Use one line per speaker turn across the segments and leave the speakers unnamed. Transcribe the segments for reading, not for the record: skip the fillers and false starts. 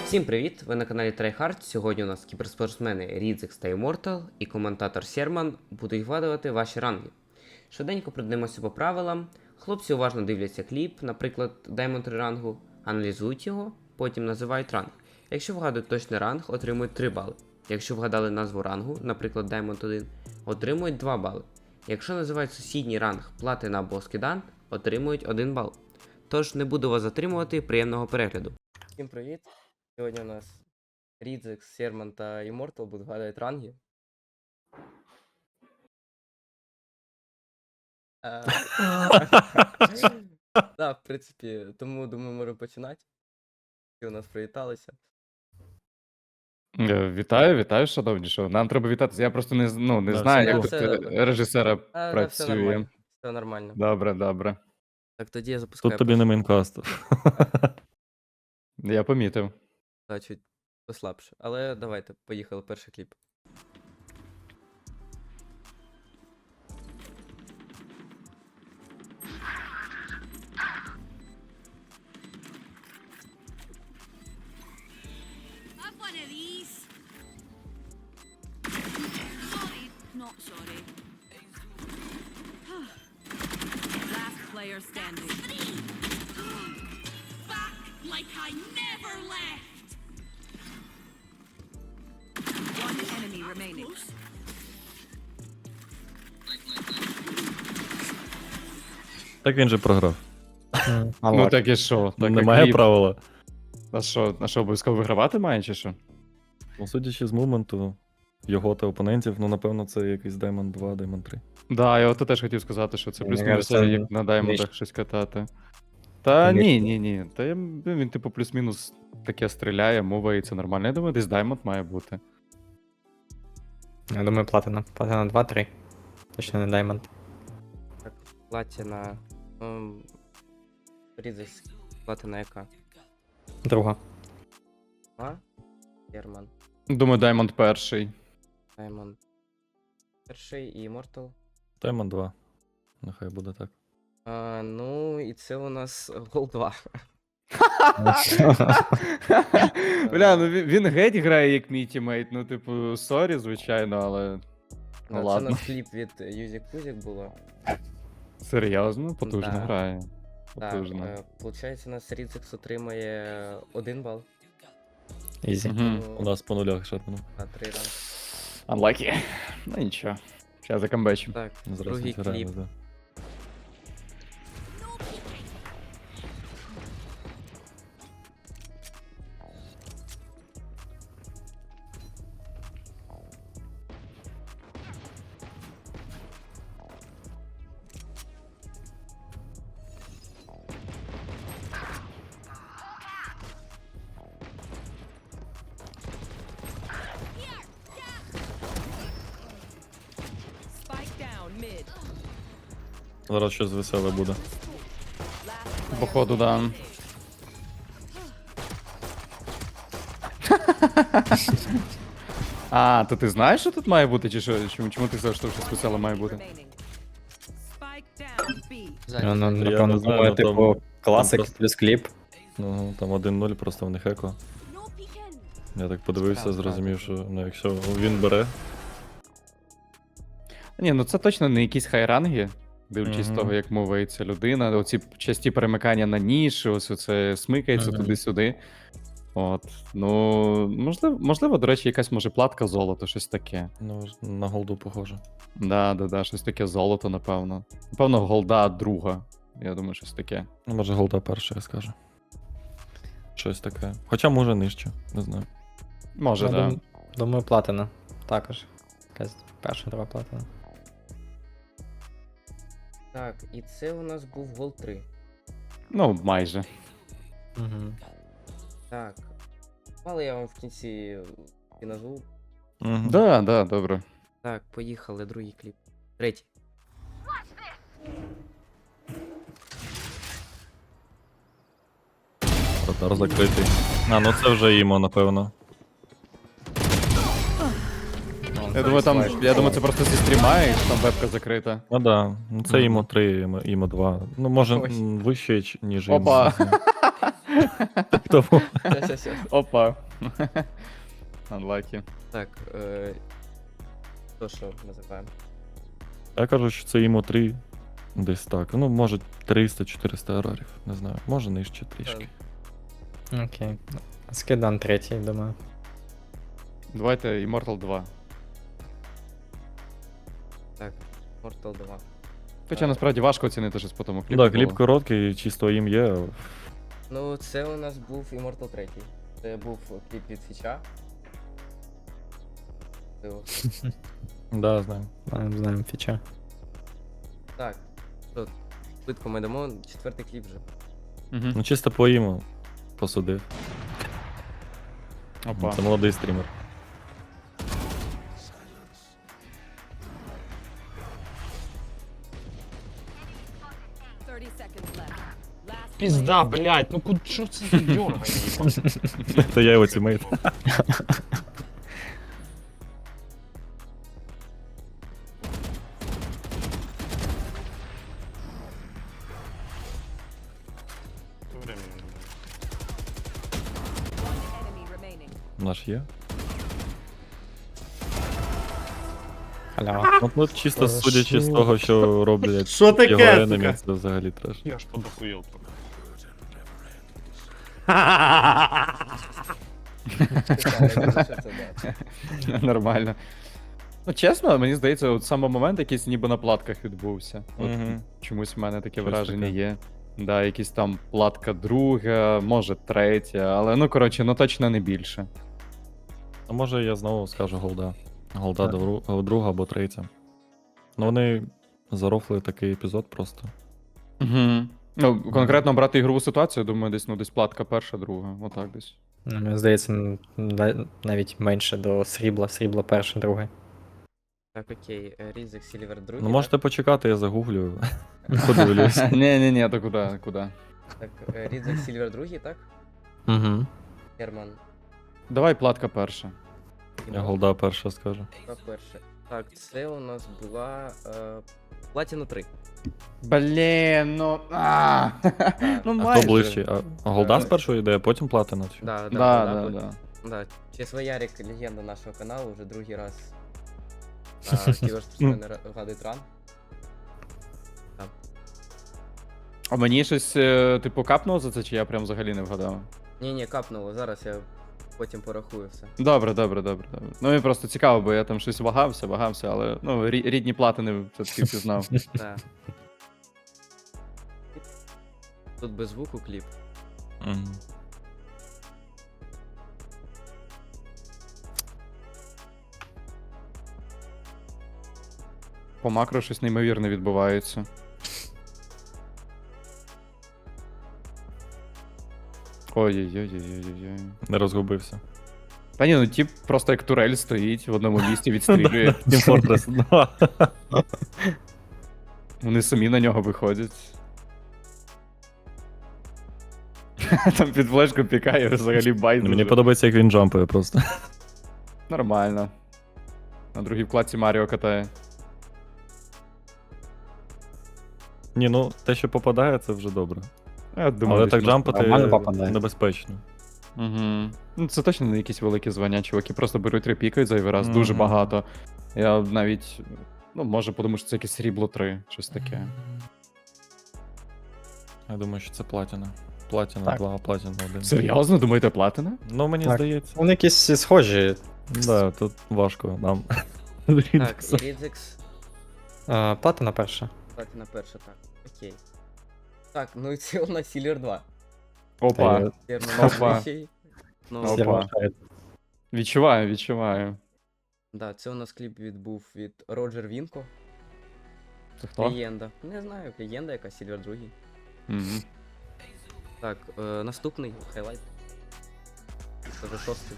Всім привіт! Ви на каналі TryHard. Сьогодні у нас кіберспортсмени Рідзекс та Immortal і коментатор Серман будуть вгадувати ваші ранги. Швиденько пройдемося по правилам. Хлопці уважно дивляться кліп, наприклад, Diamond 3 рангу, аналізують його, потім називають ранг. Якщо вгадують точний ранг, отримують 3 бали. Якщо вгадали назву рангу, наприклад Diamond 1, отримують 2 бали. Якщо називають сусідній ранг Платина або Скидан, отримують 1 бал. Тож не буду вас затримувати, приємного перегляду. Всім привіт! Сьогодні у нас Рідзекс, Серман та Immortal будуть вгадувати ранги. Так, в принципі, тому думаю, можемо починати. Всі у нас привіталися.
Вітаю, шановні. Що нам треба вітатися. Я просто не
Да,
знаю, як
все
тут
добре.
режисера
Все
працює.
нормально. Все нормально.
Добре.
Так, тоді я запускаю.
Тут тобі не мейнкаст.
Я помітив.
Так, чуть послабше. Але давайте, поїхали, перший кліп.
Have one of these. Sorry, not sorry. Last player standing. Back like I never left. One enemy remaining.
Так він же програв.
Ну так і що? Так,
Немає
як
правила.
А що, обов'язково вигравати має чи що?
Ну, судячи з моменту його та опонентів, ну напевно, це якийсь Diamond 2, Diamond 3.
Да, я от теж хотів сказати, що це
Мені
плюс-мінус
кажеться,
як на даймондах
нижче.
щось катати. Та
Нижче.
ні. Та він типу плюс-мінус таке стріляє, мовається нормально. Я думаю, десь даймонд має бути.
Я думаю, платина. Платина 2-3. Точно не даймонд.
Так, Платина. Рідзекс, Платина яка?
Друга.
А? Серман,
Думаю, даймонд перший.
Diamond. Перший і Immortal.
Diamond 2. Нехай буде так.
Ну, і це у нас гол 2.
Бля, ну він геть грає як мій тімейт, ну типу, сорі, звичайно, але. Ну
Це у
ладно.
нас кліп від Юзік Пузік було.
Серйозно, потужно
Да.
грає.
Так,
Потужно.
получається, у нас Рідзекс отримає 1 бал.
Ізі.
Мгм.
У нас по нулях шатнув.
На 3 ранги.
Unlucky. Ну нічого. Зараз закамбечу.
Так,
Зараз
другий
відграємо,
кліп.
да.
Spike down mid.
Зараз щось веселе буде.
Походу, да. А, то ти знаєш, що тут має бути, чи що? Чому ти сказав, що щось веселе має бути?
Remaining. Spike down B.
Ззаді.
Ну,
Я
напевно,
не знаю,
думаю,
ну,
типу,
там
класик
просто-
плюс кліп.
Ну, там 1-0, просто в них еко.
No peeking.
Я так подивився,
Так,
зрозумів, що ну, якщо він бере,
Ні, ну це точно не якісь хайранги, дивлячись з
Мгм.
того, як мовиться людина. Оці часті перемикання на ніші, ось оце смикається
Мгм.
туди-сюди. От. Ну, можливо, до речі, якась може платка золото, щось таке.
ну, на голду похоже.
Да, щось таке золото, напевно. Напевно, голда друга. Я думаю, щось таке.
Ну, може голда перша, я скажу. Щось таке. Хоча може нижче, не знаю.
Може,
Я
да.
Думаю, платина. Також. Якась перша, друга платина.
Так, і це у нас був гол 3.
Ну, майже.
Угу.
Так. Мало я вам в кінці і назву.
Угу.
Да, добре.
Так, поїхали, другий кліп. Третій.
Радар закритий. А, ну це вже їмо, напевно.
Я думаю, це просто зі стріма, і там вебка закрита.
Ну да, ну це
Мгм.
імо 3, імо 2. Ну, може
Ой.
вище, ніж
Опа.
імо. Тому
Щас.
Опа. Unlucky.
Так, то що називаємо?
я кажу, що це йому 3 десь так. Ну, може 300-400 ерорів. Не знаю. Може нижче трішки.
Окей. Скидан третій, думаю.
Давайте Immortal 2.
Так, Mortal 2.
Хоча насправді важко оцінити щось по тому кліпу.
Так, кліп
було.
короткий, чисто їм є.
Ну, це у нас був Immortal 3. Це був кліп від Фіча.
Да, знаю.
Знаємо фіча.
Так, тут швидко ми дамо 4-й кліп вже.
Мгм.
Ну, чисто по йому посудив.
Опа.
Це молодий стрімер.
Пізда, блядь, ну куди що це за дьоргання?
Це я його тімейт.
Enemy remaining.
Наш є.
Халява.
Ну, чисто судячи з того, що роблять
Що таке,
його енемі,
сука?
це взагалі треш.
Я ж подохуєл трохи.
Нормально. Ну, чесно, мені здається, от саме момент якийсь ніби на платках відбувся. От
Мгм.
чомусь в мене таке
Щось
враження
таке.
є. Да, якісь там платка друга, може третя, але ну коротше, ну точно не більше.
А може я знову скажу голда. Голда друга або третя. Ну вони зарофли такий епізод просто.
Угу. Ну, конкретно брати ігрову ситуацію, думаю, десь платка перша, друга. Отак десь.
Ну, мені здається, навіть менше до срібла. Срібла перше, друге.
Так, окей, Різик Сільвер 2.
Ну можете почекати, я загуглю. Подивлюсь.
Ні, то куди, куди?
Так, Різик Сільвер 2, так?
Угу.
Герман.
Давай платка перша.
Я голда перша скажу.
Перше. Так, це у нас була Платіна 3.
Блін, ну. Ну
А
майже.
хто ближче? А голда спершу йде, а потім платина? Чи?
Да,
Да.
Да, чесно, Ярик, легенда нашого каналу, вже другий раз кіберспортсмени вгадують ран.
А мені щось, типу, капнуло за це, чи я прям взагалі не вгадав?
Ні, капнуло, зараз я потім порахую все.
Добре. Ну мені просто цікаво, бо я там щось вагався, але ну, рідні платини все-таки впізнав.
Да. Тут без звуку кліп.
Мгм.
По макро щось неймовірне відбувається. Ой-ой-ой-ой-ой-ой.
Не розгубився.
Та ні, ну тип просто як турель стоїть в одному місці, відстрілює.
Team Fortress 2.
Вони самі на нього виходять. Там під флешку пікає взагалі байдуже.
Мені подобається, як він джампає просто.
Нормально. На другій вкладці Маріо катає.
Ні, ну те, що попадає, це вже добре.
Я думаю,
Але
десь
так
можна.
джампати
нормально попадає.
небезпечно.
Угу. Ну, це точно не якісь великі звання, чуваки просто беруть репікають зайвий раз, дуже
Мгм.
багато. Я навіть, ну, може подумаю, що це якесь срібло 3, щось таке.
Я думаю, що це платіна. Платіна
Так.
2, платіна 1.
Серйозно, думаєте, платина?
Ну, мені
Так.
здається.
Вони якісь схожі.
Да, тут важко нам.
Так, і Різикс.
Платина перша.
Платіна перша, так. Окей. Так, ну і це у нас Сільвер 2.
Опа,
Герман
Опа.
третій. Ну,
Опа.
Сірма шарить.
відчуваю.
да, це у нас кліп був від Роджер Вінко.
Це хто?
Легенда. Не знаю, легенда яка, Сільвер 2.
Мгм.
Так, наступний хайлайт. Це вже 6-й.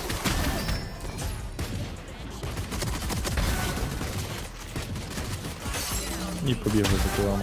І побігли за кілами.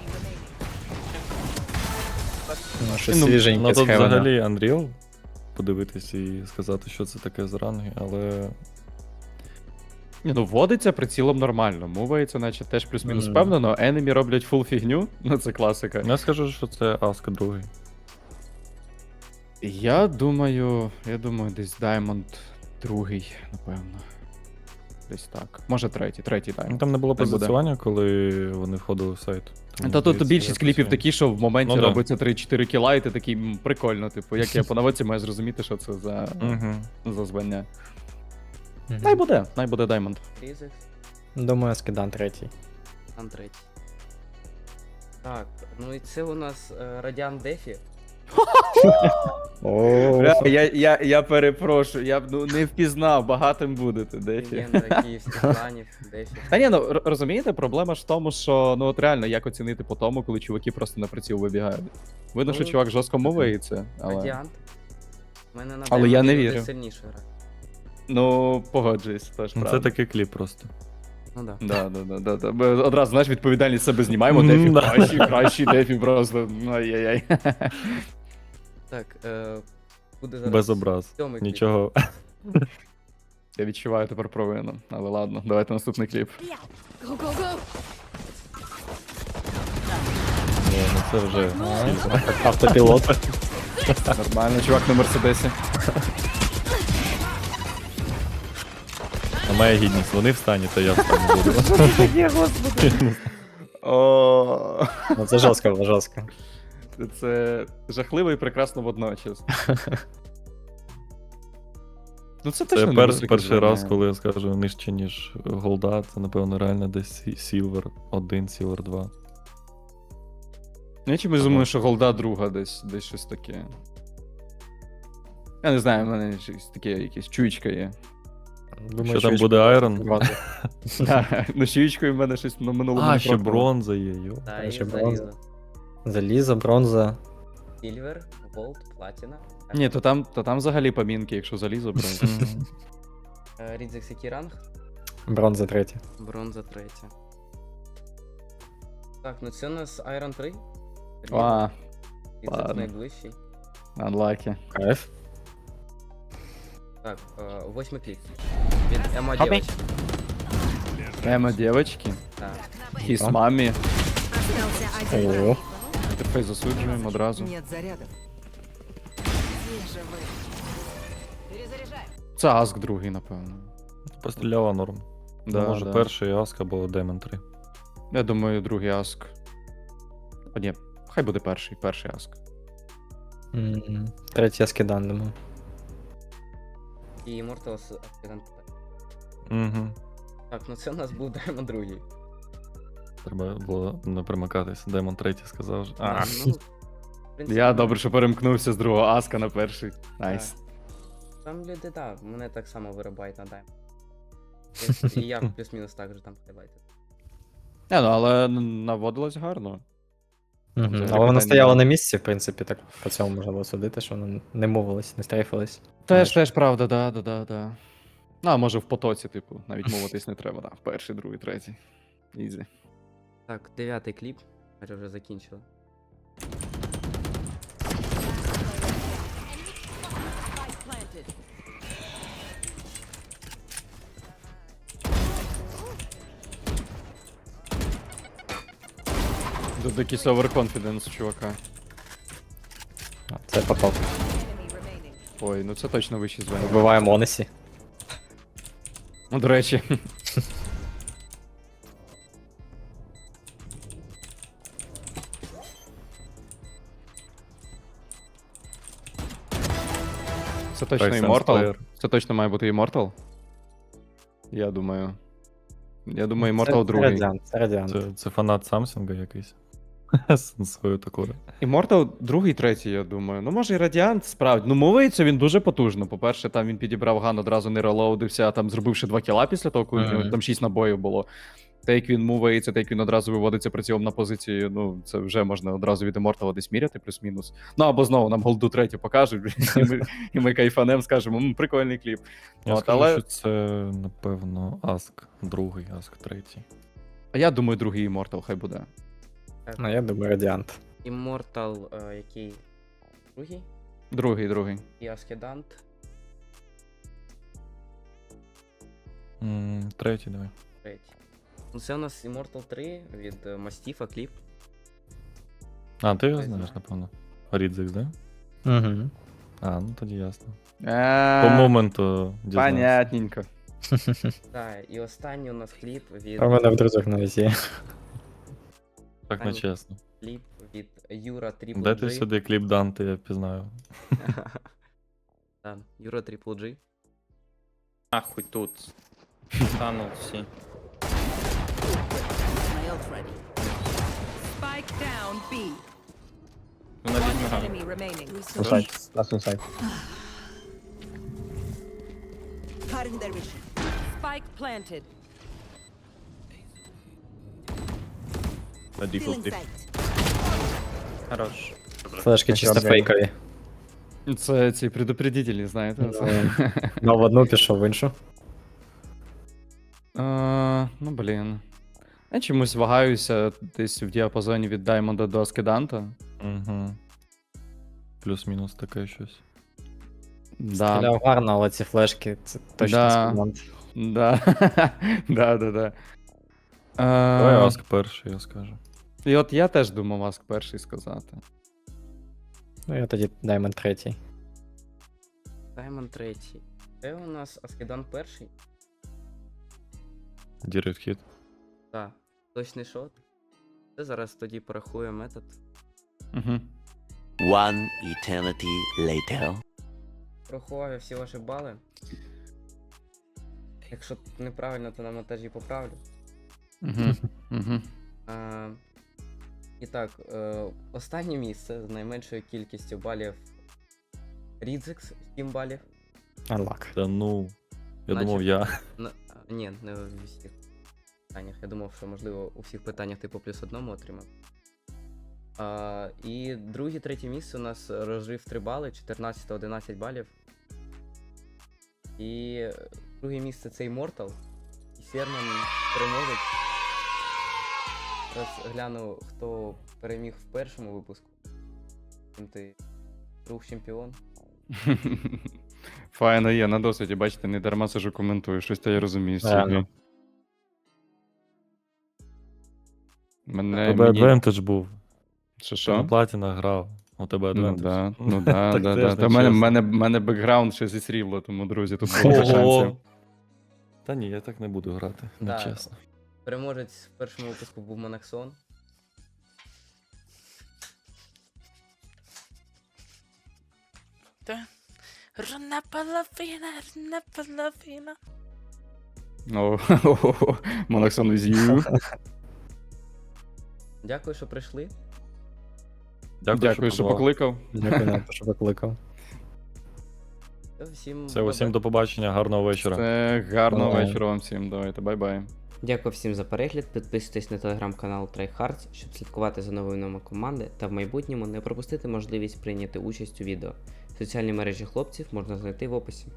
Ну, щось
Ну,
свіженьке
Ну
з
тут
Хевена.
взагалі Unreal подивитись і сказати, що це таке за ранги, але
Ні, ну вводиться прицілом нормально, мувається, наче теж плюс-мінус
Мгм.
впевнено, енемі роблять фул фігню, ну це класика.
я скажу, що це Аска другий.
Я думаю, десь Diamond другий, напевно. Десь так. Може третій
Ну,
Diamond.
там не було
Так буде.
позиціювання, коли вони входили в сайт. Тому,
Та тут
здається,
більшість
якось
кліпів
я-
такі, що в моменті
Ну да.
робиться 3-4 кіла, і ти такий прикольно, типу, як я по наводці маю зрозуміти, що це
Мгм.
за звання.
Мгм.
Най буде Diamond.
Різекс,
Думаю, скидан третій.
там третій. Так, ну і це у нас Радіан Дефі.
О,
Я перепрошую, я б не впізнав, багатим будете, Дефі.
Легенда київських кланів, Дефі.
Та ні, ну розумієте, проблема ж в тому, що ну от реально як оцінити по тому, коли чуваки просто на приціл вибігають. Видно, що
Ну,
чувак жорстко мовиться, але.
Радіант. У мене на
Але я не
Diamond
вірю.
сильніше гра.
Ну, погоджуюсь, теж
Ну,
правда.
це такий кліп просто.
Ну да.
Да. Ми одразу, знаєш, відповідальність себе знімаємо, Дефі
Да.
кращий, Дефі просто. Ну, ай-яй-яй.
Так, буде зараз
Без образ.
сьомий кліп.
Нічого.
Я відчуваю тепер провину, але ладно, давайте наступний кліп.
Go, go, go!
Ні, ну це вже.
автопілот.
Нормально, чувак на Мерседесі.
А моя гідність, вони встані, то я встану буду.
О,
Ну це жорстко, було, жорстко.
це жахливо і прекрасно водночас. Ну це
Це
точно не
перший
високе
раз,
звання.
коли я скажу нижче, ніж голда, це напевно реально десь Silver 1, Silver 2.
Ну, я чомусь думаю, що голда друга десь щось таке. Я не знаю, в мене щось таке якесь чуєчка є.
Що там буде Iron?
Бронза.
Да, ну чуєчкою в мене щось на минулому
А,
не
ще
пробувало.
бронза є, йо.
Та, і
Ще
залізо.
бронза. Залізо, бронза.
Сільвер, голд, платіна.
Ні, то там взагалі помінки, якщо залізо бронза.
Мгм.
Рідзекс який ранг?
Бронза третя.
Бронза третя. Так, ну це у нас Iron 3.
А,
Рідзекс
ладно.
найближчий.
unlucky.
Кайф.
Так, восьмий кліп. Від Ема
Хопі.
Дівчинка.
Ема, дівчатки.
Так.
Хіс мамі.
О,
Тепер засуджуємо одразу.
Нет зарядов.
Це Аск другий, напевно.
Постріляла норм.
Да,
Може
да.
перший Аск або Demon 3.
Я думаю, другий Аск. О, ні, хай буде перший Аск.
Третій я скидан, думаю.
І Immortals Accident.
Угу.
Так, ну це у нас був Diamond другий.
Треба було не примикатись. Demon 3 сказав. же. А,
Ну, в принципі,
Я добре, що перемкнувся з другого Аска на перший. Найс.
Там люди, так, мене так само вирубають на Diamond. І я плюс-мінус так же там хайлайтив.
Не, ну але наводилось гарно.
Мгм.
Взагалі
Але вона
питань
стояла
немає.
на місці, в принципі, так по цьому можна було судити, що вона не мовилась, не стрейфилась.
Теж правда, да. Ну, а може в потоці, типу, навіть мовитись не треба, да. Перший, другий, третій. Ізі.
Так, 9-й кліп. Ми вже закінчили.
Planted.
Тут якийсь overconfidence у чувака.
А, це потоп.
Enemy remaining.
Ой, ну це точно вищі звання.
Вбиваємо Онесі.
Ну, до речі. Це точно
Так,
Immortal?
Sunspire.
Це точно має бути Immortal? Я думаю. Immortal другий.
Це Радіант.
це фанат Самсунга якийсь. З свою такою.
Immortal другий, третій, я думаю. Ну, може, і Radiant, справді. Ну, мовиться він дуже потужно. По-перше, там він підібрав ган, одразу не релоудився, а там зробивши 2 кіла після того, коли в нього там 6 набоїв було. Те, як він мувається, те, як він одразу виводиться прицілом на позицію, ну, це вже можна одразу від Immortal десь міряти, плюс-мінус. Ну, або знову нам голду третю покажуть, і ми кайфанем скажемо, прикольний кліп.
Я
От,
скажу,
але-
що це, напевно, Аск другий, Аск третій.
А я думаю, другий Immortal хай буде.
Ну, я думаю, Радіант.
Immortal, який другий?
Другий.
І Ascendant.
Третій, давай.
Третій. Ну це у нас Immortal 3 від Мастіфа кліп.
А, ти його знаєш, напевно. Рідзекс, да?
Угу.
А, ну тоді ясно. По
А,
моменту дізнався.
Понятненько.
Так, і останній у нас кліп від
А в мене в друзях навіть є.
Так не чесно.
кліп від Юра Triple
Де ти
G.
сюди кліп Данте, я впізнаю.
Так, Юра Triple G.
Нахуй тут. Стануть всі.
My ult ready.
Spike down B.
Вона
One
візьме гану.
enemy remaining.
Інсайд. Ласт інсайд.
Cutting their vision.
Spike planted.
На
Feeling
дефолті.
sight.
Хорош.
Флешки чисто фейкові.
Це ці предупредителі, знаєте.
Ну, в одну пішов, в іншу.
Ну, блін. Я чомусь вагаюся десь в діапазоні від Даймонда до Аскеданта.
Угу. Плюс-мінус таке щось.
Да.
Стріляв гарно, але ці флешки, це точно
Да.
з команд.
Да. Да.
Давай Аск перший, я скажу.
І от я теж думав Аск перший сказати.
Ну, я тоді Даймонд третій.
Даймонд третій. Це у нас Аскедан перший.
Дірект хіт.
Так, точний шот. Це зараз тоді порахуємо метод.
Угу.
One eternity later.
Порахував я всі ваші бали. Якщо неправильно, то на монтажі поправлю.
Угу.
І так, останнє місце з найменшою кількістю балів Рідзекс 7 балів.
Unlock.
Та ну. Я
Наче-
думав, я.
Ні, не у всіх питаннях. Я думав, що можливо у всіх питаннях типу плюс одному отримав. І друге, третє місце у нас розрив 3 бали, 14 та 11 балів. І друге місце це Immortal. І Серман переможець. Зараз гляну, хто переміг в першому випуску. Ти друг чемпіон.
Файно є, на досвіді, бачите, не дарма сижу коментую, щось то я розумію.
Реально.
Мене
Тебе
мені...
адвентедж був.
Що,
Ти на
що?
платінах грав. У тебе
Ну
адвентедж.
да, ну да,
Так
да,
теж
да.
не
Та в мене,
чесно.
мене бекграунд ще зі срібла, тому, друзі, тут багато шансів.
Ого! Та ні, я так не буду грати, не
Так.
чесно.
Переможець в першому випуску був Монаксон.
Рuna половина.
О, Монаксон with you.
Дякую, що прийшли.
Дякую, що
позвав.
покликав.
Дякую, Нато, що викликав.
Всім
Все, усім до побачення, гарного вечора.
Це гарного
Давай.
вечора вам всім. Давайте, бай-бай.
Дякую всім за перегляд. Підписуйтесь на телеграм-канал TryHards, щоб слідкувати за новинами команди та в майбутньому не пропустити можливість прийняти участь у відео. Соціальні мережі хлопців можна знайти в описі.